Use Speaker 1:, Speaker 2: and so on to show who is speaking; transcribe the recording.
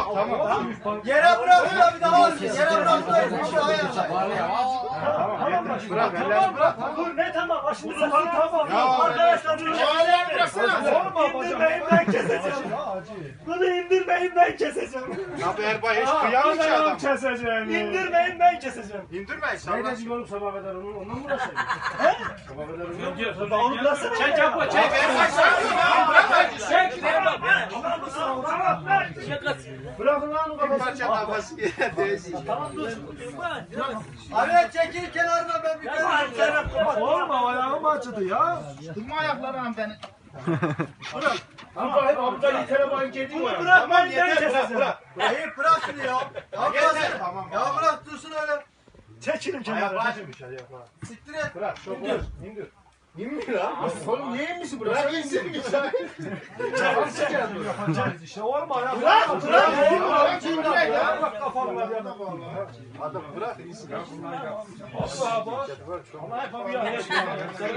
Speaker 1: Tamam.
Speaker 2: Yere bırakıyor bir daha alın. Yere bırakmayın. Bir şey ayarla.
Speaker 1: Tamam.
Speaker 3: Dur ne tamam başımıza tamam. Arkadaşlar bunu indirmeyin ben keseceğim. Bunu indirmeyin ben keseceğim.
Speaker 1: Abi Erbay hiç kıyamıyor ki adam.
Speaker 3: Keseceğim. İndirmeyin ben keseceğim.
Speaker 1: İndirmeyin sen.
Speaker 4: Ne diyorum sabah kadar ondan mı uğraşayım? Sabah kadar
Speaker 3: Onu nasıl
Speaker 5: Çek yapma çek.
Speaker 1: Erbay sen
Speaker 5: Çek.
Speaker 4: bırakın lan o
Speaker 1: bir
Speaker 4: kafasını.
Speaker 1: parça kafası yere değsin.
Speaker 3: Tamam dur.
Speaker 2: Abi çekil kenarına ben bir kere.
Speaker 4: Olma ayağım acıdı ya.
Speaker 1: Durma ayaklarına beni.
Speaker 4: Ama hep aptal itere bayın kedi var.
Speaker 3: Bırak ben
Speaker 1: Yeter
Speaker 3: keseceğim.
Speaker 1: bırak.
Speaker 2: İyi bırak şunu ya. Ya bırak.
Speaker 1: Tamam.
Speaker 2: Ya bırak dursun öyle.
Speaker 3: Çekilin kenara.
Speaker 2: Siktir et.
Speaker 1: Bırak. Çok bırak. İndir. İndir ha.
Speaker 4: Oğlum niye inmişsin
Speaker 1: Bırak
Speaker 4: buraya?
Speaker 1: insin.
Speaker 4: Yapacağız işte olma ya.
Speaker 3: Bırak.
Speaker 1: Bırak.
Speaker 4: Ya bak kafam var ya.
Speaker 1: Adam bırak insin.
Speaker 4: Allah Allah. Allah yapamıyor.